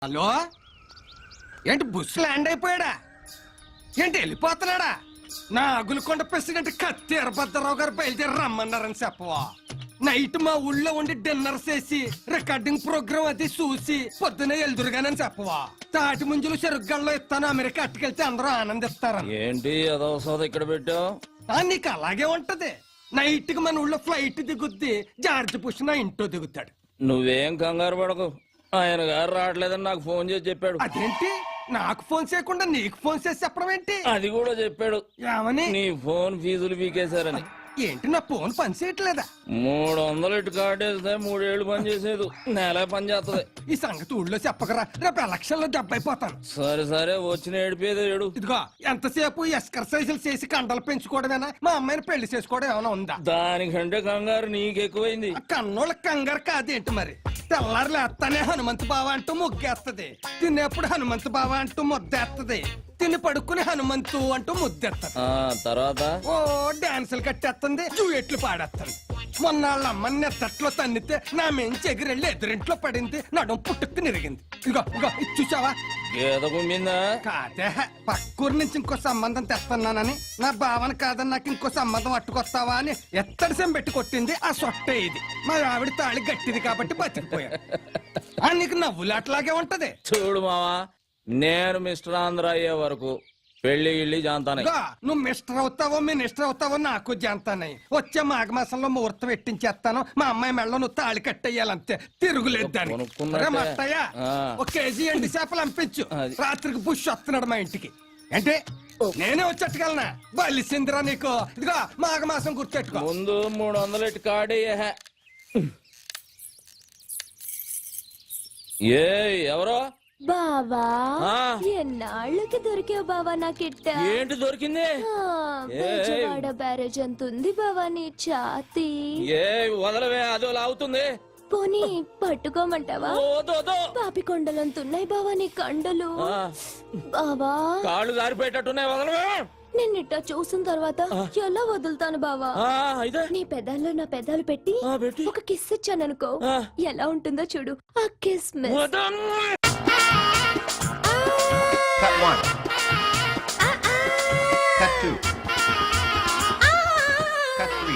Hello, ఏంటి బుస్ land అయిపోయాడా? ఏంటి వెళ్ళిపోతున్నాడా? నా అగులకొండ ప్రెసిడెంట్ కత్తి వీరభద్రరావు గారు బయలుదేరి రమ్మన్నారని చెప్పవా? నైట్ మా ఊళ్ళో ఉండి డిన్నర్ చేసి రికార్డింగ్ ప్రోగ్రామ్ అది చూసి పొద్దునే ఎల్దురుగానని చెప్పవా? తాటి ముంజులు చెరుగ్గల్లో ఇస్తాను, అమెరికా అట్టుకెళ్తే అందరూ ఆనందిస్తారు. ఏంటి అదవసరం ఇక్కడ పెట్టావు? నీకు అలాగే ఉంటది. నైట్ కి మన ఊళ్ళో ఫ్లైట్ దిగుద్ది, జార్జ్ బుష్ నా ఇంట్లో దిగుతాడు. నువ్వేం కంగారు పడకు, ఆయన గారు రావట్లేదని నాకు ఫోన్ చేసి చెప్పాడు. అదేంటి నాకు ఫోన్ చేయకుండా నీకు ఫోన్ చేసి చెప్పడం ఏంటి? అది కూడా చెప్పాడు. ఏమని? నీ ఫోన్ ఫీజులు పీకేశారని. ఏంటి నా ఫోన్ పని చేయట్లేదా? 300 ఇటు కార్డేస్తే 3 ఏళ్ళు పని చేసేది, నెల పని చేస్తుంది. ఈ సంగతి ఊళ్ళో చెప్పకరా, రేపు ఎలక్షన్ లో దెబ్బైపోతాను. సరే సరే, వచ్చిన ఏడిపోయేది ఏడు. ఇదిగో ఎంతసేపు ఎక్సర్సైజులు చేసి కండలు పెంచుకోవడమేనా? మా అమ్మాయిని పెళ్లి చేసుకోవడం ఏమైనా ఉందా? దానికంటే కంగారు నీకెక్కువైంది. కన్నోళ్ళ కంగారు కాదేంటి మరి? తెల్లారు లేస్తానే హనుమంతు బావ అంటూ ముగ్గేస్తది, తినేప్పుడు హనుమంతు బావ అంటూ ముద్దేస్తది, తిని పడుకుని హనుమంతు అంటూ ముద్దెత్తది. తర్వాత ఓ డాన్సులు కట్టేస్తుంది, జూయెట్లు పాడేస్తుంది. మొన్న వాళ్ళ అమ్మని నెత్తట్లో తన్నితే నా మెంచి ఎగిరెళ్ళి ఎదురింట్లో పడింది, నడుం పుట్టుకు నిరిగింది. ఇగో ఇగో ఇది చూసావా? గేద కుమ్మిందా? కాదే, పక్కూరు నుంచి ఇంకో సంబంధం తెస్తున్నానని, నా భావన కాదని నాకు ఇంకో సంబంధం అట్టుకొస్తావా అని ఎత్తడి సెం పెట్టి కొట్టింది. ఆ సొట్టే ఇది. మా ఆవిడ తాళి గట్టిది కాబట్టి బతికిపోయా. నీకు నవ్వులాట్లాగే ఉంటది. చూడు మావా, నేను మిస్టర్ ఆంధ్ర అయ్యే వరకు పెళ్లి గిళ్ళి జాంతానే. నువ్వు మిస్టర్ అవుతావో మినిస్టర్ అవుతావో నాకు జాంతానయ్యి. వచ్చే మాఘమాసంలో ముహూర్తం పెట్టించేస్తాను. మా అమ్మాయి మెళ్ళ నువ్వు తాళి కట్టేయాలంతే, తిరుగులేదు దాన్ని. మట్టయ్యా, ఒక కేజీ ఎండి చేపలు పంపించు. రాత్రికి బుష్ వస్తున్నాడు మా ఇంటికి. అంటే నేనే వచ్చేట్టుకెళ్ళనా? బలిసిందిరా నీకు. ఇదిగో మాఘమాసం గుర్తెట్టుకో. ముందు 300 ఇటు కార్డేయా. ఏ ఎవరో బావా, ఎన్నాళ్ళకి దొరికావు బావా నాకిట్ట. ఏంటి దొరికింది? బెజవాడ బ్యారేజ్ అంత ఉంది బావా నీ ఛాతీ. ఏ వదలవే, అదో లాగుతుంది. పోనీ పట్టుకోమంటావా? పాపి కొండలంతున్నాయి బావా నీ కండలు. బావా కాళ్ళు జారిపోయేటట్టున్నాయి, వదలవే. నిన్నిట్ట చూసిన తర్వాత ఎలా వదులుతాను బావా? నీ పెదాల్లో నా పెదాలు పెట్టి ఒక కిస్ ఇచ్చాననుకో, ఎలా ఉంటుందో చూడు. ఆ kiss Cut 1. Cut 2. Cut 3.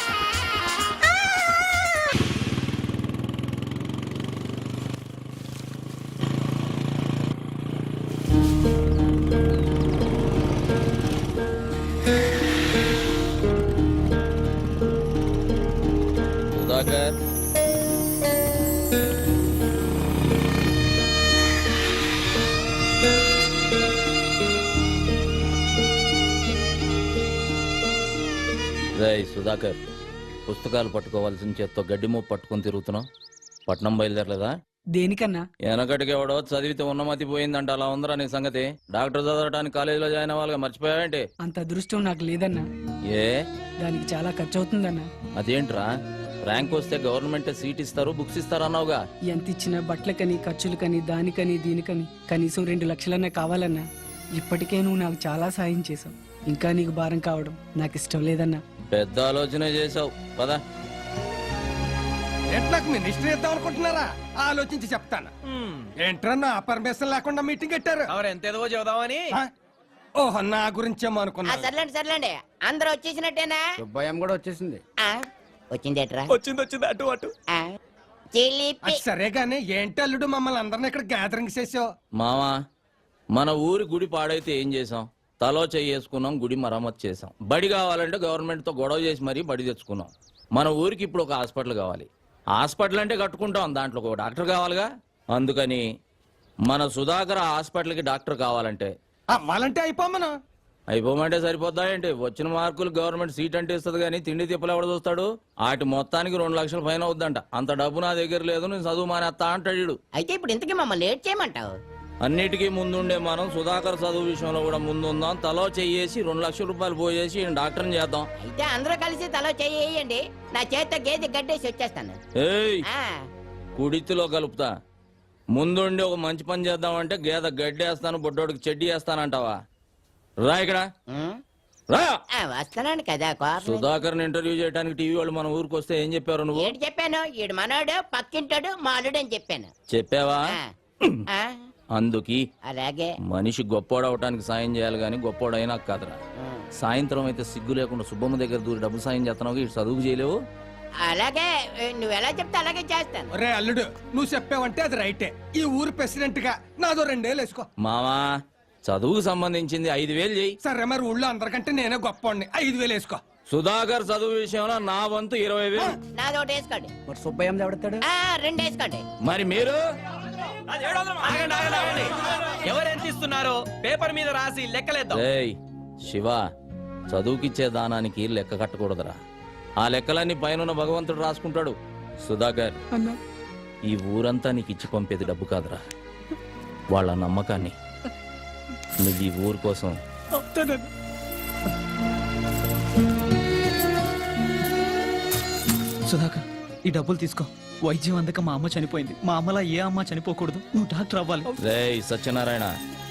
Sudhakar, Sudhakar, పుస్తకాలు పట్టుకోవాల్సిన చేత్తో గడ్డి మూపు పట్టుకుని తిరుగుతున్నావు. పట్నం బయలుదేరలేదా? దేనికన్నా? వెనకటికి ఎవడో చదివితే ఉన్నమతి పోయిందంట, అలా ఉందరా నీ సంగతి? డాక్టర్ చదవడానికి కాలేజీలో జాయిన్ అవ్వాలిగా, మర్చిపోయావేంటి? అంత అదృష్టం నాకు లేదన్నా. ఏ దానికి చాలా ఖర్చు అవుతుందన్నా. అదేంట్రా, ర్యాంక్ వస్తే గవర్నమెంట్ సీట్ ఇస్తారు, బుక్స్ ఇస్తారు అన్నావుగా. ఎంత ఇచ్చినా బట్టలకని, ఖర్చులకని, దానికని దీనికని కనీసం 2 లక్షలన్నా కావాలన్నా. ఇప్పటికే నువ్వు నాకు చాలా సాయం చేసావు, ఇంకా నీకు భారం కావడం నాకు ఇష్టం లేదన్నా. పెద్ద ఆలోచన చేసావు పదా. ఎట్లాకు మినిస్టర్ ఇద్దాం అనుకుంటున్నారా? ఆలోచించి చెప్తాను. ఏంట్రా నా పర్మిషన్ లేకుండా మీటింగ్ పెట్టారు? ఎంతేదో చెబుదామని. ఓహో, నా గురించేమో అనుకున్నా. సర్లేండి సర్లేండి, అందరూ వచ్చేసినట్టేనా? సుబ్బయ్యం కూడా వచ్చేసింది. వచ్చిందేట్రా? వచ్చింది అటు అటు. అది సరే గానీ ఏంటి అల్లుడు మమ్మల్ని అందరిని ఇక్కడ గ్యాదరింగ్ చేసావు? మామా, మన ఊరి గుడి పాడైతే ఏం చేసాం? తలో చేసుకున్నాం, గుడి మరమ్మతు చేసాం. బడి కావాలంటే గవర్నమెంట్ తో గొడవ చేసి మరీ బడి తెచ్చుకున్నాం. మన ఊరికి ఇప్పుడు ఒక హాస్పిటల్ కావాలి. హాస్పిటల్ అంటే కట్టుకుంటాం, దాంట్లో ఒక డాక్టర్ కావాలిగా. అందుకని మన సుధాకర్ హాస్పిటల్కి డాక్టర్ కావాలంటే అవ్వాలంటే అయిపోమంటే సరిపోద్దా ఏంటి? వచ్చిన మార్కులు గవర్నమెంట్ సీట్ అంటే ఇస్తుంది కానీ తిండి తిప్పలు ఎవడ చూస్తాడు? వాటి మొత్తానికి 2 లక్షలు ఫైన్ అవుద్దంట. అంత డబ్బు నా దగ్గర లేదు, నేను చదువు మానేస్తా అంటాడు. అయితే ఇప్పుడు ఇంతకీ మమ్మల్ని లేట్ చేయమంటావు? అన్నిటికీ ముందుండే మనం సుధాకర్ చదువు విషయంలో కూడా ముందుందాం. తలో చెయ్యేసి 2 లక్షల రూపాయలు పోయేసి డాక్టర్ని చేద్దాం. అయితే అందరూ కలిసి తలో చెయ్యండి, నా చేత గేదె గడ్డేసి వచ్చేస్తాను. ఏయ్, కుడితిలో కలుపుతా. ముందుండి ఒక మంచి పని చేద్దామంటే గేదె గడ్డేస్తాను, బొడ్డోడికి చెడ్డి వేస్తానంటావా? రా ఇక్కడ రా. వస్తున్నాను కదా. సుధాకర్ ఇంటర్వ్యూ చేయడానికి టీవీ వాళ్ళు మన ఊరికి వస్తే ఏం చెప్పారు నువ్వు? ఏంటి చెప్పాను? ఈడు మనోడు, పక్కింటాడు, మాలుడు అని చెప్పాను. చెప్పావా? ఆ, అందుకి అలాగే మనిషి గొప్పోడవటానికి సాయం చేయాలి గాని గొప్పోడైనా కాదురా. సాయంత్రం అయితే సిగ్గు లేకుండా సుబ్బమ్మ దగ్గర దూరి డబ్బులు సాయం చేస్తున్నావు, ఇటు చదువుకు చేయలేవు. అలాగే నువ్వు ఎలా చెప్తే అలాగే చేస్తాను. ఒరే అల్లుడు, నువ్వు చెప్పావంటే అది రైటే. ఈ ఊరు ప్రెసిడెంట్ గా నాదో 2 వేలు వేసుకో. మావా చదువుకు సంబంధించింది 5,000 చెయ్యి. సరే మరి ఊళ్ళో అందరికంటే నేనే గొప్పవాడిని. 5 వేలు వేసుకో. సుధాకర్ చదువు విషయంలో నా వంతు 20,000. నాది ఒకటి వేసుకోండి. మరి సుబ్బయ్య ఎవడతాడు? 2 వేసుకోండి. మరి మీరు ఆగండి, ఆగండి, ఆగండి. ఎవరెంత ఇస్తున్నారో పేపర్ మీద రాసి లెక్కలేద్దాం. రేయ్ శివ, చదువుకిచ్చే దానానికి లెక్క కట్టకూడదురా. ఆ లెక్కలన్నీ పైన భగవంతుడు రాసుకుంటాడు. సుధాకర్, అన్నా ఈ ఊరంతా నీకు ఇచ్చి పంపేది డబ్బు కాదురా, వాళ్ళ నమ్మకాన్ని. నువ్వు ఈ ఊరు కోసం అవుతానన్నా. సుధాకర్, ఈ డబ్బులు తీసుకో. వైద్యం అందక మా అమ్మ చనిపోయింది. మా అమ్మలా ఏ అమ్మ చనిపోకూడదు. నువ్వు డాక్టర్ అవ్వాలి. రేయ్ సత్యనారాయణ,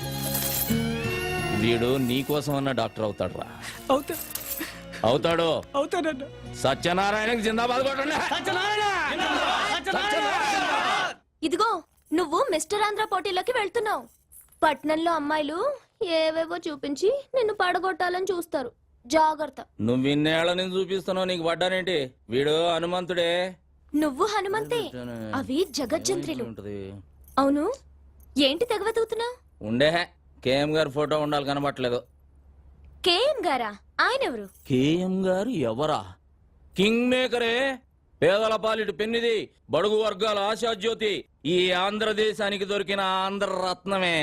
వీడు నీ కోసం అన్న డాక్టర్ అవుతాడురా. అవుతా అవుతాడు. అవుతానన్నా. సత్యనారాయణకి జిందాబాద్ కొట్టండి. ఇదిగో నువ్వు మిస్టర్ ఆంధ్ర పోటీలోకి వెళ్తున్నావు. పట్నంలో అమ్మాయిలు ఏవేవో చూపించి నిన్ను పడగొట్టాలని చూస్తారు. జాగ్రత్త. నువ్వు ఇన్నేళ్ల నుంచి చూపిస్తున్నావు, నీకు పడ్డానేంటి? వీడు హనుమంతుడే. నువ్వు హనుమంతే, అవి జగజ్జంత్రులు. ఉంటది. అవును, ఏంటి తెగవెతుకుతున్నావు? ఉండే కేఎం గారి ఫోటో ఉండాలి, కనబట్టలేదు. కేఎం గారా? ఆయన ఎవరు? కేఎం గారు ఎవరా? కింగ్ మేకరే, పేదల పాలిటి పెన్నిది, బడుగు వర్గాల ఆశాజ్యోతి, ఈ ఆంధ్రదేశానికి దొరికిన ఆంధ్ర రత్నమే.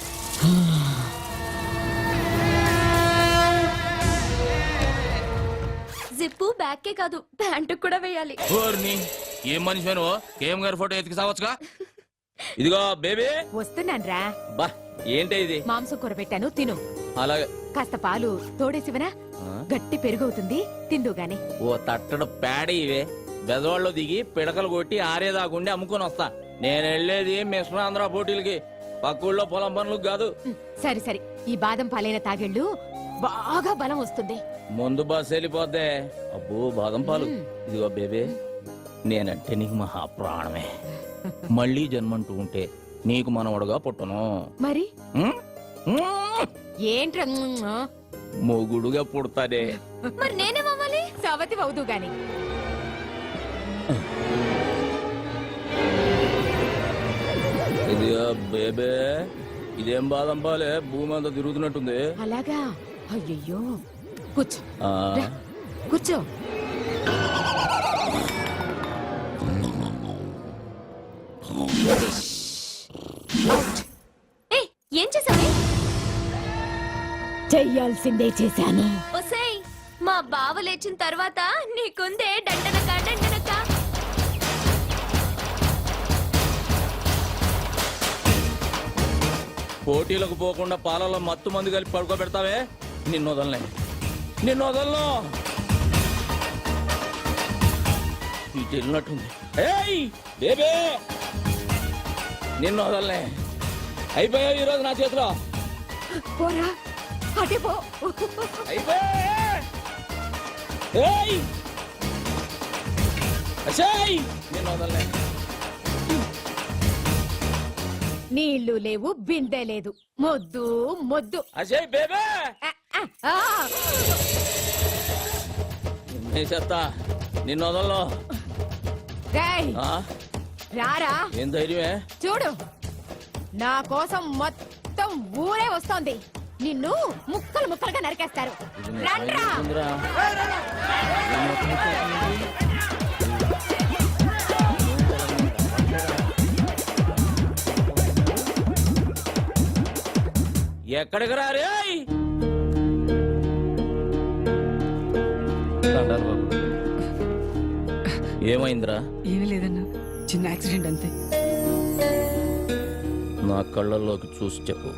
జిప్పు బ్యాక్కే కాదు, ప్యాంటు కూడా వేయాలి. ఓర్ని, ఏం మనిషి నువ్వు? కేఎం గారి ఫోటో ఎతికి సావచ్చుగా. ఇదిగో బేబీ. వస్తున్నాన్రా. బా ఏంటి ఇది? మాంసం కూర పెట్టాను, తిను. అలాగే. కాస్త పాలు తోడేసివనా? గట్టి పెరుగవుతుంది, తిందు గాని. ఓ తట్టడు పేడ ఇవే. బెదవాళ్ళు దిగి పిడకలు కొట్టి ఆరేదాకుండి అమ్ముకొని వస్తా. నేను వెళ్ళేది మిశ్ర ఆంధ్ర పోటీలకి, పక్కూళ్ళో పొలం పనులకు కాదు. సరి సరి, ఈ బాదం పాలైన తాగెళ్ళు బాగా బలం వస్తుంది. ముందు బస్ వెళ్ళిపోద్దే. అబ్బో బాదం పాలు. ఇదిగో బేబీ, నేనంటే నీకు మహా ప్రాణమే. మళ్ళీ జన్మంటూ ఉంటే నీకు మనవడుగా పుట్టను. మరి ఉం? ఉం? ఏంట్రా మొగుడుగా పుడతానే. మరి నేనేమవ్వాలి? సవతి అవుదు గాని. ఇదిగో బేబే, ఇదేం బాదం పాలే, భూమి అంతా తిరుగుతున్నట్టుంది. అలాగా? అయ్యయ్యో, కూర్చో ఆ, రా, కూర్చో. ఏయ్, ఏం చేసావు? చెయ్యాల్సిందే చేశాను. ఒసేయ్, మా బావ లేచిన తర్వాత నీకుందే డండనక డండనక. పోటీలకు పోకుండా పాలలో మత్తు మందు కలిపి పడుకోబెడతావే, నిన్ను వదలనే, నిన్ను వదలను. ఇటు వెళ్ళినట్టుంది. ఏయ్ బేబే, నిన్ను వదలనే. అయిపోయావు ఈరోజు నా చేతిలో. పోరా, అటే పో. అయిపోయా. ఏయ్ అసేయ్, నిన్ను వదలనే. నీళ్లు లేవు, బిందె లేదు, మొద్దు మొద్దు. అసేయ్ బేబే, ఆ, చెత్తా, నిన్ను వదలను. రేయ్, ఆ, రారా. ఏం ధైర్యమే? చూడు, నా కోసం మొత్తం ఊరే వస్తోంది. నిన్ను ముక్కలు ముక్కలుగా నరికేస్తారు. రండ్రా. ఉందిరా. ఎక్కడికి రారే? ఏమైందిరా? ఏమీ లేదన్నా, చిన్న యాక్సిడెంట్ అంతే. నా కళ్ళల్లోకి చూసి చెప్పు,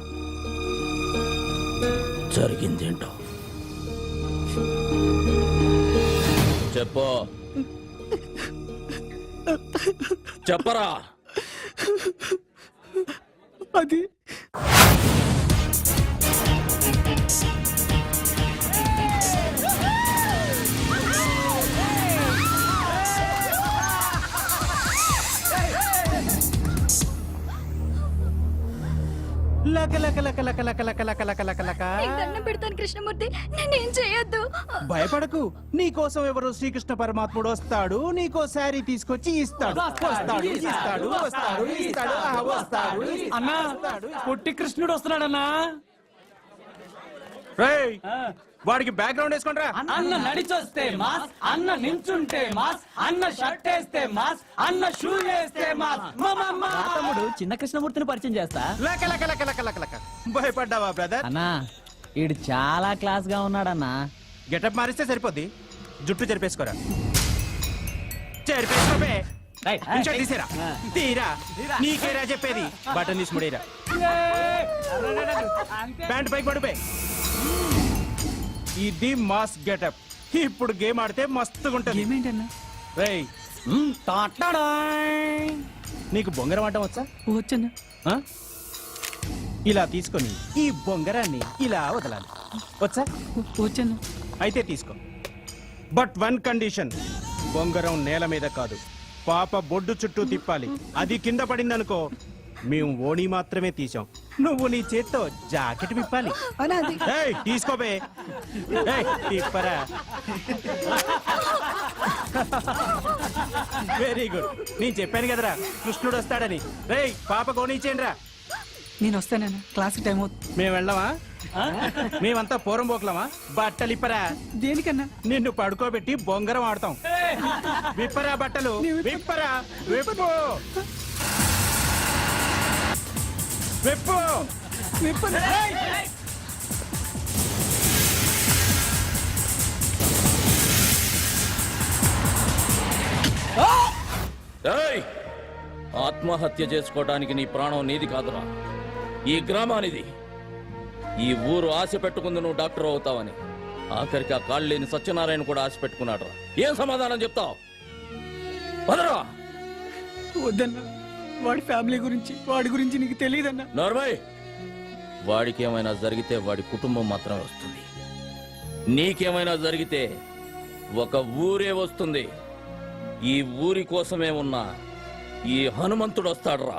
జరిగిందేంటో చెప్పు. చెప్పరా. అది లక లక లక లక లక లక లక లక లక లక. నీకు దండం పెడతాను కృష్ణమూర్తి నేనేం చేయొద్దు భయపడకు నీకోసం ఎవరు శ్రీకృష్ణ పరమాత్ముడు వస్తాడు నీకో శారీ తీసుకొచ్చి ఇస్తాడు వస్తాడు ఇస్తాడు వస్తాడు ఇస్తాడు వస్తాడు అన్నా పొట్టి కృష్ణుడు వస్తున్నాడన్నా రేయ్, వాడికి బ్యాక్గ్రౌండ్ వేసుకోండిరా. అన్న నడిచొస్తే మాస్ అన్న నించుంటే మాస్ అన్న షర్ట్ వేస్తే మాస్ అన్న షూ వేస్తే మాస్ తమ్ముడు చిన్న కృష్ణమూర్తిని పరిచయం చేస్తా లక లక లక లక లక లక. భయపడ్డావా బ్రదర్? అన్నా ఈడు చాలా క్లాస్ గా ఉన్నాడన్నా. గెటప్ మారిస్తే సరిపోద్ది. జుట్టు చెరిపేసుకోరా. చెరిపేసుకోబే. ఇంచో తీసేరా. తీరా నీకేరా చెప్పేది. బటన్ తీసి ముడేరా. ప్యాంట్ పైకి పడిపోయి. ఇది మాస్ గెటప్. ఇప్పుడు గేమ్ ఆడితే మస్తుగా ఉంటది. ఏమేంటన్నా రేయ్, నీకు బొంగరం ఆడటం వచ్చా? వచ్చన్నా ఆ? ఇలా తీసుకొని ఈ బొంగరాన్ని ఇలా వదలాలి. వచ్చా? వచ్చన్నా అయితే తీసుకో. బట్ వన్ కండిషన్, బొంగరం నేల మీద కాదు, పాప బొడ్డు చుట్టూ తిప్పాలి. అది కింద పడిందనుకో మేము ఓణి మాత్రమే తీసాం. నువ్వు నీ చేత్తో జాకెట్ విప్పాలి. ఏయ్, తీసుకోబే. ఏయ్, తిప్పరా. Very good. నేను చెప్పాను కదరా కృష్ణుడు వస్తాడని. రేయ్, పాప కోణించేయండి రా. నేను వస్తానన్నా క్లాస్ టైం అవుతుంది మేము వెళ్ళమా? మేమంతా పూరం పోకలమా? బట్టలు ఇప్పరా. దేనికన్నా నిన్ను పడుకోబెట్టి బొంగరం ఆడతాం. విప్పరా బట్టలు. విప్పరా. విప్పు. విప్పు. ఏయ్! ఆత్మహత్య చేసుకోవడానికి నీ ప్రాణం నీది కాదురా, ఈ గ్రామానిది. ఈ ఊరు ఆశ పెట్టుకుంది నువ్వు డాక్టర్ అవుతావని. ఆఖరికి ఆ కాళ్ళు లేని సత్యనారాయణ కూడా ఆశ పెట్టుకున్నాడు. ఏం సమాధానం చెప్తావు? వదరా. వద్దన్నా వాడి ఫ్యామిలీ గురించి వాడి గురించి నీకు తెలియదన్నా. నార్మల్, వాడికి ఏమైనా జరిగితే వాడి కుటుంబం మాత్రమే వస్తుంది. నీకేమైనా జరిగితే ఒక ఊరే వస్తుంది. ఈ ఊరి కోసమే ఉన్న ఈ హనుమంతుడు వస్తాడురా.